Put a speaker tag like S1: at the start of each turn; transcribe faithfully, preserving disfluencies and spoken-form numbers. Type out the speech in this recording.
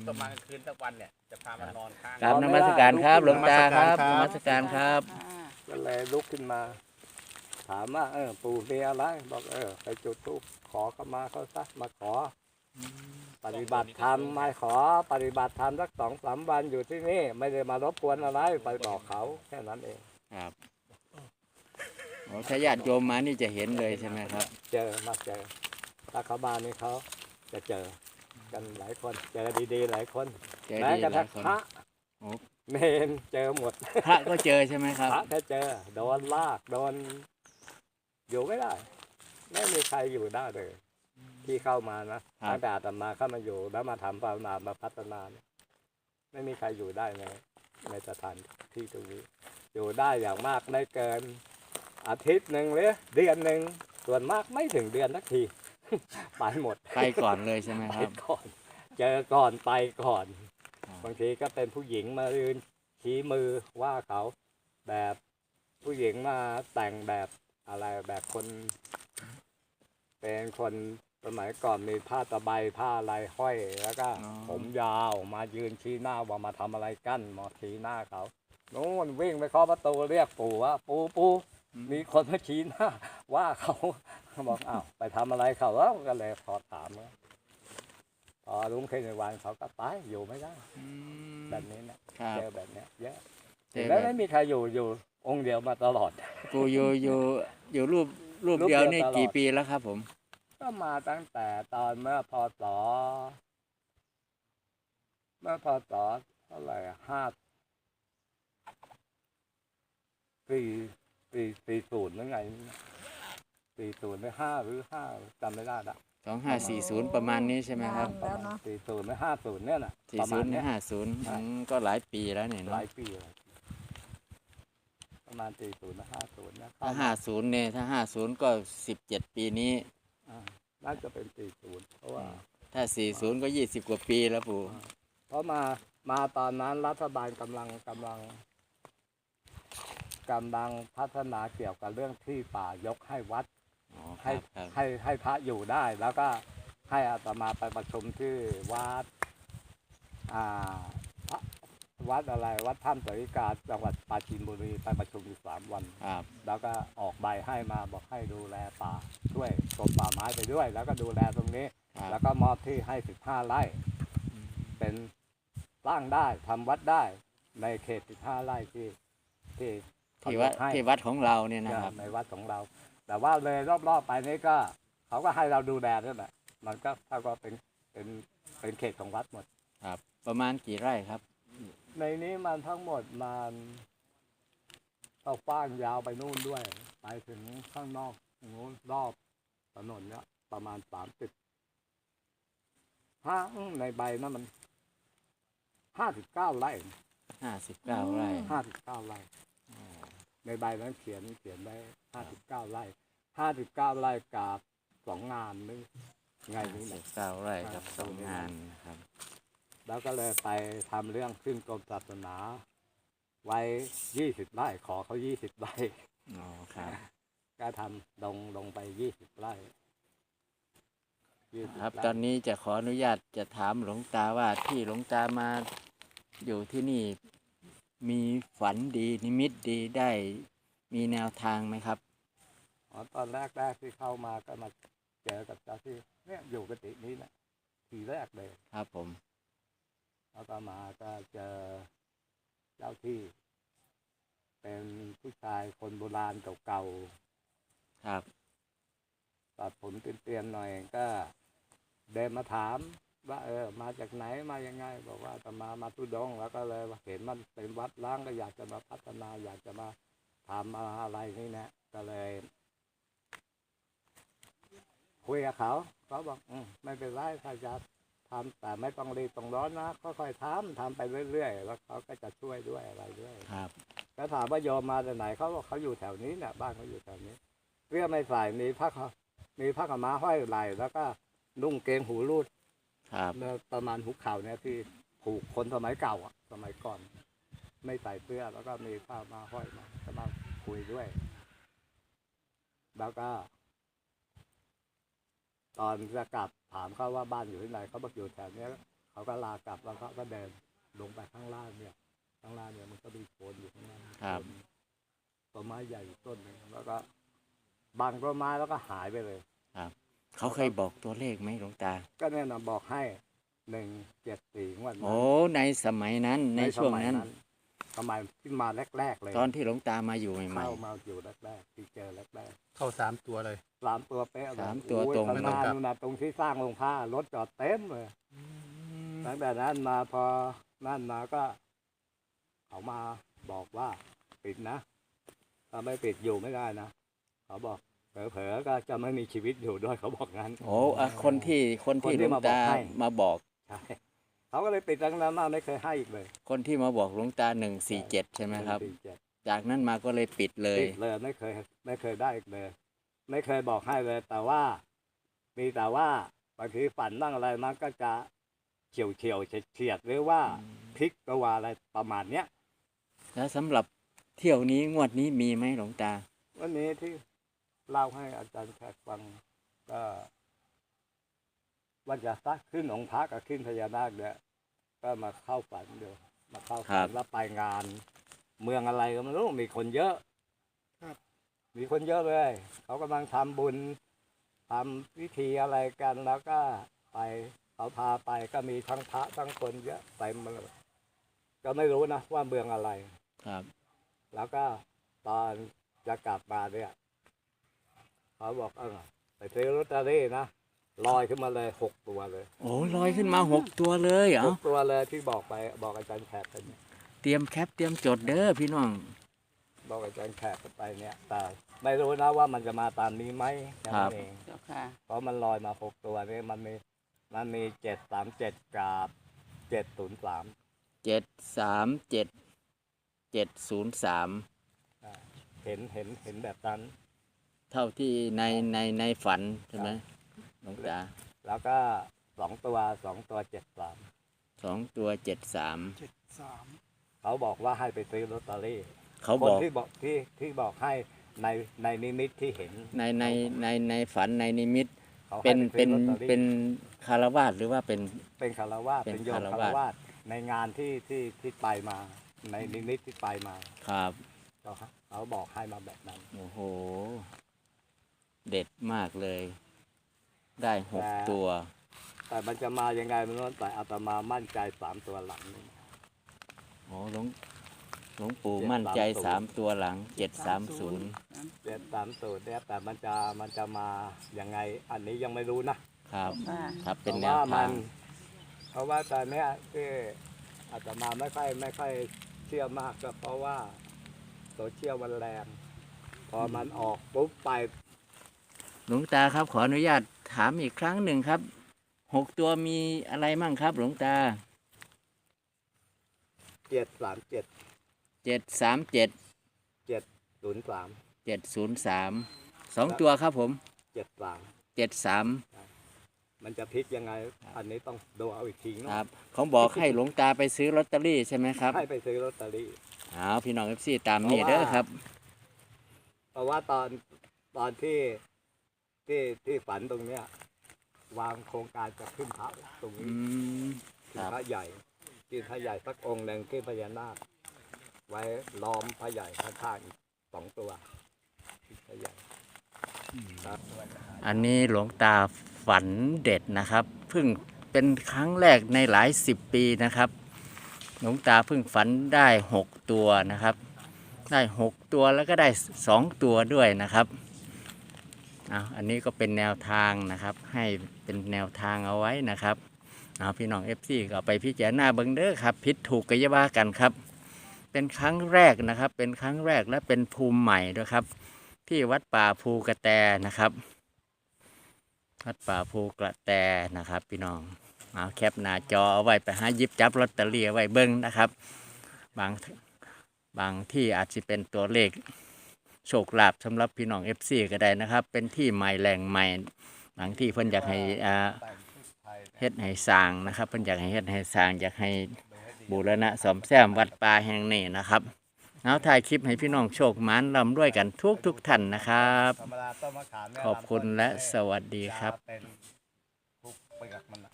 S1: ต้องมากลางคืนสักวันเนี่ยจะพามานอนข้าง
S2: กราบนมัสการครับหลวงตาครับนมัสการครับ
S3: ก็เลยลุกขึ้นมา ถามว่าเออปู่มีอะไรบอกเออไปจุดธูปขอเข้ามาเขาซะมาขอปฏิบัติธรรมมาขอปฏิบัติธรรมสักสองสามวันอยู่ที่นี่ไม่ได้มารบกวนอะไรไปบอกเขาแค่นั้นเอง
S2: ครับโอ้ถ้าญาติโยมมานี่จะเห็นเลยใช่ไหมครับ
S3: เจอมาเจอถ้าเขามานี่เขาจะเจอกันหลายคนเจอดีๆหลายคน
S2: เจอ
S3: แม้
S2: ดี
S3: กระ
S2: หลา
S3: ทั่
S2: ย
S3: ง
S2: คน
S3: พระ
S2: โอ้
S3: เนนเจอหมด
S2: พระก็เจอใช่ไหมครับ
S3: พระก็เจอโดนลากโดนอยู่ไม่ได้ไม่มีใครอยู่ได้เลยที่เข้ามานะตั้งแต่อาตมาเข้ามาอยู่แล้วมาทำภาวนามาพัฒนาเนี่ยไม่มีใครอยู่ได้ในในสถานที่ตรงนี้ อยู่ได้อย่างมากได้เกินอาทิตย์หนึ่งหรือเดือนหนึ่งส่วนมากไม่ถึงเดือนสักที ไปหมด
S2: ไปก่อนเลยใช่ไหม
S3: ไป
S2: ครับ
S3: ก่อน เจอก่อนไปก่อน
S2: ครับ
S3: บางทีก็เป็นผู้หญิงมายืนชี้มือว่าเขาแบบผู้หญิงมาแต่งแบบอะไรแบบคน เป็นคนสมัยก่อนมีผ้าตะไบผ้าอะไรห้อยแล้วก็
S2: อ๋อ
S3: ผมยาวมายืนชี้หน้าว่ามาทำอะไรกันมาชี้หน้าเขาโน่นวิ่งไปเคาะประตูเรียกปู่ว่าปู่ปู่มีคนมาชี้หน้า ว่าเขาเขาบอกอ้าวไปทำอะไรเขาแล้วก็เลยขอถามว่าพอรุ่งขึ้นในวันเขาก็ไปอยู่ไม่ได้
S2: อืม
S3: แบบนี้นะครับ เจอแบบเนี้ยเยอะ
S2: เจอ
S3: แล้ว
S2: แบ
S3: ไม่
S2: บ
S3: มีใครอยู่อยู่องค์เดียวมาตลอด
S2: กูอยู่อยู่อยู่รูปรูป
S3: รูป
S2: เดียว
S3: เดียว
S2: นี่
S3: ตลอด
S2: กี่ปีแล้วครับผม
S3: ก็มาตั้งแต่ตอนเมื่อพศเมื่อพศเท่าไหร่อะห้าสี่สี่สี่ศูนย์หรือไงสี่ศูนย์หรือห้าหรือห้าจำไม่ได้ละ
S2: สองห้าสี่ศูนย์ประมาณนี้ใช่ไหมครับ
S3: ประมาณสี่ศูนย์หรือห้าศูนย์เนี่ยนะ
S2: สี่
S3: ประ
S2: ศู
S3: มาณ
S2: นย์
S3: เนี้ย
S2: ห้าศูนย์ก็หลายปีแล้วเนี่ย
S3: ห
S2: เนาะ
S3: ลายปีเลยประมาณสี่ศูนย์หรือห้าศูนย์เนี่ย
S2: ถ้าห้าศูนย์เนี่ยถ้าห้าศูนย์ก็สิบเจ็ดปีนี้
S3: อ่าน่าจะเป็นสี่ศูนย์เพราะว่า
S2: ถ้าสี่ศูนย์ก็ยี่สิบกว่าปีแล้วปู่
S3: เพราะมามาตอนนั้นรัฐบาลกำลังกำลังกำลังพัฒนาเกี่ยวกับเรื่องที่ป่ายกให้วัด
S2: อ๋อค
S3: ให้
S2: รับครับ
S3: ให้ให้พระอยู่ได้ แล้วก็ให้อาตมาไปประชุมที่วัดอ่าพระวัดอะไรวัดถ้ำสริกาจังหวัดปราจีนบุรีไปประชุมอยู่สามวัน
S2: ครับ
S3: แล้วก็ออกใบให้มาบอกให้ดูแลป่าช่วยกรมป่าไม้ไปด้วย แล้วก็ดูแลตรงนี้
S2: ครับ
S3: แล้วก็มอบที่ให้สิบห้าไร่ เป็นสร้างได้ทำวัดได้ในเขตสิบห้าไร่ที่ที่
S2: ที่วัด
S3: เขายกให้
S2: ที่วัดของเราเนี่ยนะครับ
S3: ในวัดของเรา แต่ว่าเลยรอบๆไปนี้ก็เขาก็ให้เราดูแลด้วยแหละมันก็เท่ากับเป็นเป็นเป็นเขตของวัดหมด
S2: ครับ ประมาณกี่ไร่ครับ
S3: ในนี้มันทั้งหมดมันเอากว้างยาวไปนู่นด้วย ไปถึงข้างนอกนู้นรอบถนนเนี้ยประมาณสามสิบห้าในใบนั้นมันห้าสิบเก้าไร่
S2: ห้าสิบเก้าไร่
S3: ห้าสิบเก้าไร่ ในใบนั้นเขียนเขียนไว้ห้าสิบเก้าไร่ห้าสิบเก้าไร่กับสองงานนึงไงนี่แห
S2: สิ
S3: ละ
S2: บเก้าไร่กับสองงานครับ
S3: แล้วก็เลยไปทำเรื่องขึ้นกรมศาสนา ไว้ยี่สิบไร่ขอเขายี่สิบไร่
S2: อ๋อครับ
S3: ก็ทำลงลงไปยี่สิบไร่ยี่สิ
S2: ครับ
S3: ไร่
S2: ตอนนี้จะขออนุญาตจะถามหลวงตาว่าที่หลวงตามาอยู่ที่นี่มีฝันดีนิมิตดีได้มีแนวทางไหมครับ
S3: อ๋อตอนแรกแรกที่เข้ามาก็มาเจอกับเจ้าที่เนี่ยอยู่กตินี้นะทีแรกเลย
S2: ครับผม
S3: แล้วก็มาก็เจอเจ้าที่ เป็นผู้ชายคนโบราณเก่า
S2: ครับ
S3: ๆตัดผมเตียนๆหน่อยก็เดินมาถามว่าเออมาจากไหนมายังไง บอกว่าจะมามาทุดงค์แล้วก็เลยเห็นมันเป็นวัดล้างก็อยากจะมาพัฒนา อยากจะมาทำอะไรนี่นะก็เลย คุยกับเขาเขาบอกอืมไม่เป็นไรถ้าจะทำแต่ไม่ต้องรีบต้องร้อนนะค่อยๆทำทำไปเรื่อยๆแล้วเขาก็จะช่วยด้วยอะไรด้วย
S2: ครับ
S3: แล้วถามว่าโยมมาจากไหนเขาบอกเขาอยู่แถวนี้เนี่ยบ้านเขาอยู่แถวนี้เสื้อไม่ใส่มีผ้าขาวมีผ้าขาวม้าห้อยไหล่แล้วก็นุ่งเกงหูรูด
S2: ครับ
S3: เนื้อประมาณหุกเข่าเนี่ยที่ผูกคนสมัยเก่าอ่ะสมัยก่อน ไม่ใส่เสื้อแล้วก็มีผ้ามาห้อยมาจะมาคุยด้วย แล้วก็ ตอนจะกลับถามเขาว่าบ้านอยู่ที่ไหนเขาบอกอยู่แถวเนี้ยเขาเขาก็ลากลับแล้วเขาก็เดินลงไปข้างล่างเนี่ยข้างล่างเนี่ยมันก็มีโคนอยู่ข้างล่าง
S2: ครับ
S3: ต้นไม้ใหญ่อยู่ต้นหนึงแล้วก็บังต้นไม้แล้วก็หายไปเลย
S2: เขาเคยบอกตัวเลขไหมหลวงตา
S3: ก็เนี่ยนะบอกให้หนึ่งเจ็ดสี่งวดนั้น
S2: โอ้ในสมัยนั้นในช่วงนั้น
S3: สมัยที่มาแรกๆเลย
S2: ตอนที่หลวงตามาอยู่ใหม่
S3: เข้ามาอยู่แรกๆที่เจอแรก
S1: เข้าสามตัวเลย
S3: ๆสามตัวเป๊ะเลย
S2: สามตัว
S3: โอ้ย
S2: ตรง
S3: ข้างหน้านู่นนะตรงที่สร้างโรงผ้ารถจอดเต็มเลยตั้งแต่นั้นมาพอนั่นมาก็เขามาบอกว่าปิดนะถ้าไม่ปิดอยู่ไม่ได้นะเขาบอกเผลอๆก็จะไม่มีชีวิตอยู่ด้วยเขาบอกงั้น
S2: ๆโอ้อะคนที่คนที่
S3: คนที่
S2: หลวง
S3: มาบอก
S2: ตา
S3: ให้
S2: มาบอก
S3: ใช่เขาก็เลยปิดตั้งนั้นมาไม่เคยให้อีกเลย
S2: คนที่มาบอกหลวงตาหนึ่งสี่เจ็ดใช่ไหมครับ
S3: หนึ่งสี่เจ็ด
S2: จากนั้นมาก็เลยปิดเลย
S3: ปิดเลยไม่เคยไม่เคยได้อีกเลย ไม่เคยบอกให้เลย แต่ว่า มีแต่ว่าบางทีฝันบ้างอะไรมันก็จะเฉียวเฉียวๆเฉียดๆหรือว่าพลิกตัวอะไรประมาณเนี้ย
S2: แล้วสำหรับเที่ยวนี้งวดนี้มีไหมหลวงตา
S3: วันนี้ที่เล่าให้อาจารย์แขกฟังก็ว่าจะซักขึ้นองค์พระกับขึ้นพญานาคเนี่ยก็มาเข้าฝันเดียวมาเข้า
S2: ครั
S3: ฝั
S2: บ
S3: นแล้วไปงาน เมืองอะไรก็ไม่รู้มีคนเยอะ
S1: ครับ
S3: มีคนเยอะเลย เขากำลังทำบุญทำพิธีอะไรกันแล้วก็ไปเขาพาไปก็มีทั้งพระทั้งคนเยอะเต็มมาเลยก็ไม่รู้นะว่าเมืองอะไร
S2: ครับ
S3: แล้วก็ตอนจะกลับมาเนี่ยเขาบอกเออไปซื้อลอตเตอรี่นะลอยขึ้นมาเลยหกตัวเลย
S2: โอ้ลอยขึ้นมาหกตัวเลยเหร
S3: ห
S2: อก
S3: ตัวเลยที่บอกไปบอกอาจารย์แขกไปเนี่ย
S2: เตรียมแคปเตรียมจดเด้อพี่น้อง
S3: บอกอาจารย์แขกไปเนี่ยแต่ไม่รู้นะว่ามันจะมาตามนี้ไหมแค่นั้นเอง
S4: เจ้าค่ะ
S3: เพราะมันลอยมาหกตัวนี่มันมีมันมีเจ็ดสามเจ็ดกับเจ็ดศูนย์สาม
S2: เจ็ดสามเจ็ดเจ็ดศูนย์สาม
S3: เห็นเห็นเห็นแบบนั้น
S2: เท่าที่ในในในฝันใช่ไหมหลวงตา
S3: แล้วก็สองตัวสองตัวเจ็ดสาม
S2: สองตัวเจ็ดสาม
S1: เจ็ดสาม
S3: เขาบอกว่าให้ไปซื้อลอตเตอรี่
S2: เขา
S3: ค
S2: บ
S3: น
S2: อก
S3: ที่บอกที่ที่บอกให้ในในนิมิตที่เห็น
S2: ในในในในฝันในนิมิต
S3: เขาให้
S2: เป็น
S3: ไซื้
S2: เป็น
S3: อลอตตอรี่
S2: เป็นคารวาสหรือว่าเป็น
S3: เป็นคารวาส
S2: เป็น
S3: เป็นโยม
S2: คาร
S3: คาร
S2: วาส
S3: วาสในงานที่ที่ที่ไปมา ในนิมิตที่ไปมา
S2: ครับ
S3: เขาเขาบอกให้มาแบบนั้น
S2: โอ้โห เด็ดมากเลย ได้หก
S3: แต่
S2: ตัว
S3: แต่มันจะมายังไงไมันรู้แต่อาตมามั่นใจสามตัวหลังนี่
S2: โอ้หลวงหลวงปู่
S3: เจ็ด
S2: มั่นใจ
S3: สา
S2: สาม ม
S3: ศูนย์
S2: ตัวหลังเจ็ดสามศูนย์
S3: เจ็ดสามสูตรเนี่ยแต่มันจะมันจะมายังไงอันนี้ยังไม่รู้นะครับ
S4: ค่ะ
S2: ครับ
S3: เพ
S2: เป็น
S3: ราะ
S2: แน
S3: ว่าว มั
S2: ทาง
S3: นเพราะว่าตอนเนี้ยที่อาตมาไม่ค่อยไม่ค่อยเชื่อมากก็เพราะว่าโซเชียลมันแรงพอมันออกปุ๊บไป
S2: หลวงตาครับ ขออนุญาตถามอีกครั้งหนึ่งครับหกตัวมีอะไรมั่งครับ หลวงตา
S3: เจ็ดสามเจ็ด
S2: เจ็ดสามเจ็ด
S3: เจ็ดศูนย์สาม
S2: เจ็ดศูนย์สามสองตัวครับผม
S3: เจ็ดสาม
S2: เจ็ดสาม
S3: มันจะพลิกยังไง อันนี้ต้องดูเอาอีกที
S2: ค
S3: เนาะ
S2: รับเขาบอกให้หลวงตาไปซื้อลอตเตอรี่ใช่ไหมครับ
S3: ให้ไปซื้อลอตเตอรี่
S2: เอาพี่น้องเอฟซีตามนี่เด้อครับ
S3: เพราะว่าตอนตอนที่ที่ที่ฝันตรงเนี้ย วางโครงการจะขึ้นพระตรง
S2: อื
S3: นี้
S2: ม
S3: ขึ้นพระใหญ่ขึ้นพระใหญ่สักองค์หนึ่งขึ้นพญานาคไว้ล้อมพระใหญ่ข้างๆอีกสองตัวขึ้นพระใหญ่ครับ
S2: อันนี้หลวงตาฝันเด็ดนะครับเพิ่งเป็นครั้งแรกในหลายสิบปีนะครับ หลวงตาเพิ่งฝันได้หกตัวนะครับ ได้หกตัวแล้วก็ได้สองตัวด้วยนะครับเอาอันนี้ก็เป็นแนวทางนะครับ ให้เป็นแนวทางเอาไว้นะครับเอาพี่น้องเอฟซีก็เอาไปพิจารณาเบิ่งเด้อครับผิดถูกก็อย่าว่ากันครับ เป็นครั้งแรกนะครับ เป็นครั้งแรกและเป็นภูมิใหม่ด้วยครับ ที่วัดป่าภูกระแตนะครับ วัดป่าภูกระแตนะครับ พี่น้องเอาแคปหน้าจอเอาไว้ไปหาหยิบจับลอตเตอรี่เอาไว้เบิ้งนะครับ บางบางที่อาจจะเป็นตัวเลขโชคลาภสำหรับพี่น้องเอฟซีก็ได้นะครับ เป็นที่ใหม่แหล่งใหม่บางที่เพิ่นอยากให้อ่าเฮ็ดให้สร้างนะครับเพิ่นอยากให้เฮ็ดให้สร้างอยากให้บูรณะซ่อมแซมวัดป่าแห่งนี้นะครับเอาถ่ายคลิปให้พี่น้องโชคหมานร่ำด้วยกันทุกทุกท่านนะครับ
S3: ธรรมดาต้นมะขามเนี่ย
S2: ขอบคุณและสวัสดีครับ
S3: จะเป็นทุกเปลือกมัน